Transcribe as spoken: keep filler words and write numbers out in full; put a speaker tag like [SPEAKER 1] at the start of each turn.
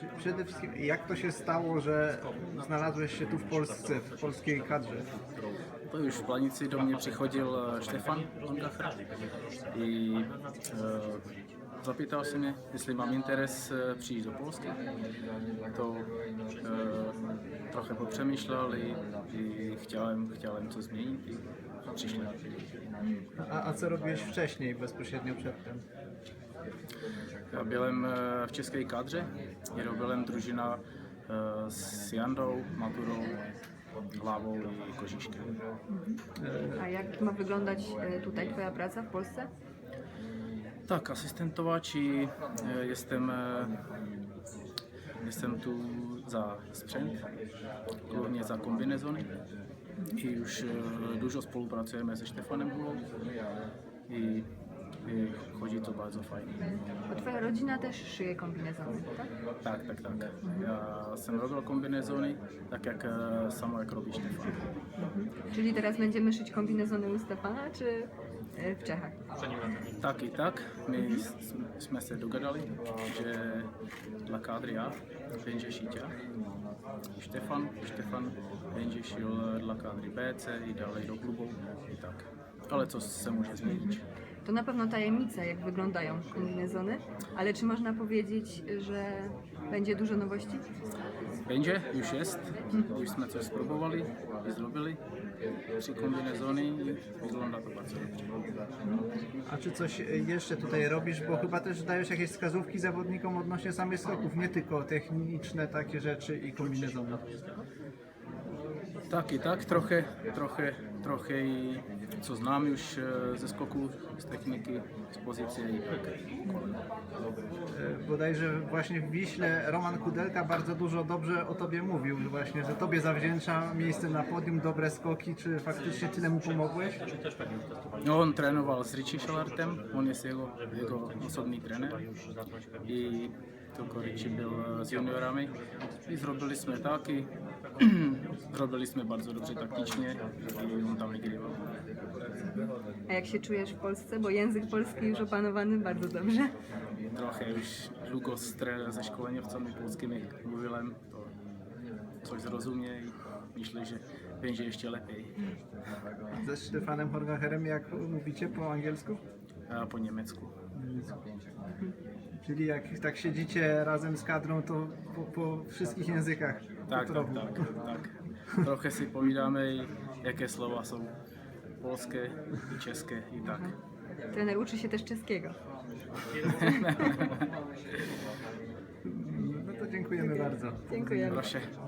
[SPEAKER 1] Przede wszystkim, jak to się stało, że znalazłeś się tu w Polsce, w polskiej kadrze?
[SPEAKER 2] To już w Planici do mě přichodil eh, Štefan Longacher i e, zapýtal se mě, jestli mám interes eh, přijít do Polska. To e, trochę popřemýšlel i, i chciałem, chciałem coś zmienić i přišli.
[SPEAKER 1] A, a co robiłeś wcześniej, bezpośrednio předtem?
[SPEAKER 2] Já byłem eh, v české kadře, i robiłem družina eh, s Jandou, Maturou, Hlavou i Kožiškem.
[SPEAKER 3] A jak ma wyglądać e, tutaj Twoja praca w Polsce?
[SPEAKER 2] Tak, asystentować i e, jestem, e, jestem tu za sprzęt, głównie za kombinezony i już e, dużo spolupracujemy ze Štefanem Hulou i, i chodzi to bardzo fajnie.
[SPEAKER 3] Bo Twoja rodzina też szyje kombinezony, tak?
[SPEAKER 2] Tak, tak, tak. Ja jsem robil kombinezony, tak jak e, samo jak robi Štefan.
[SPEAKER 3] Czyli teraz będziemy szyć kombinezony u Stefana, czy e, w Czechach?
[SPEAKER 2] Tak i tak, my s- jsme se dogadali, že dla kadry já będzie šít já, Štefan, Štefan będzie šil dla kadry B, C i dalej do klubu i tak. Ale co se může změnit.
[SPEAKER 3] To na pewno tajemnica, jak wyglądają kombinezony, ale czy można powiedzieć, że będzie dużo nowości?
[SPEAKER 2] Będzie, już jest, už jsme coś spróbovali i zrobili, tři kombinezony i wygląda to bardzo dobrze.
[SPEAKER 1] A czy coś jeszcze tutaj robisz, bo chyba też dajesz jakieś wskazówki zawodnikom odnośnie samych skoków, nie tylko techniczne takie rzeczy i kombinezony.
[SPEAKER 2] Tak i tak, trochę, trochę, trochę i co znam już e, ze skoku, z techniky, z pozycji i tak.
[SPEAKER 1] E, Bodajże właśnie w Wiśle Roman Kudelka bardzo dużo dobrze o tobie mówił, że właśnie, że tobie zawdzięcza miejsce na podium, dobre skoki. Czy faktycznie tyle mu pomogłeś?
[SPEAKER 2] No, on trénoval s Richie Šalartem, on jest jego, jego osobný trenér i tylko Richie byl s juniorami i zrobili jsme tak i zrobili jsme bardzo dobře takticznie i on tam wygrywał.
[SPEAKER 3] A jak się czujesz w Polsce? Bo język polski już opanowany bardzo dobrze.
[SPEAKER 2] Trochę już długo z tre- ze szkoleniowcami polskimi mówiłem, to coś zrozumie i myślę, że będzie jeszcze lepiej.
[SPEAKER 1] Ze Stefanem Horgacherem, jak mówicie po angielsku?
[SPEAKER 2] A po niemiecku.
[SPEAKER 1] Czyli jak tak siedzicie razem z kadrą, to po, po wszystkich językach. po
[SPEAKER 2] Tak, tak,
[SPEAKER 1] trochu.
[SPEAKER 2] tak, tak. Trochę si povídáme, i jaké slova jsou polské i české i tak.
[SPEAKER 3] Trener uczy się też czeskiego.
[SPEAKER 1] No to dziękujemy bardzo.
[SPEAKER 3] Dziękujemy.
[SPEAKER 2] Proszę.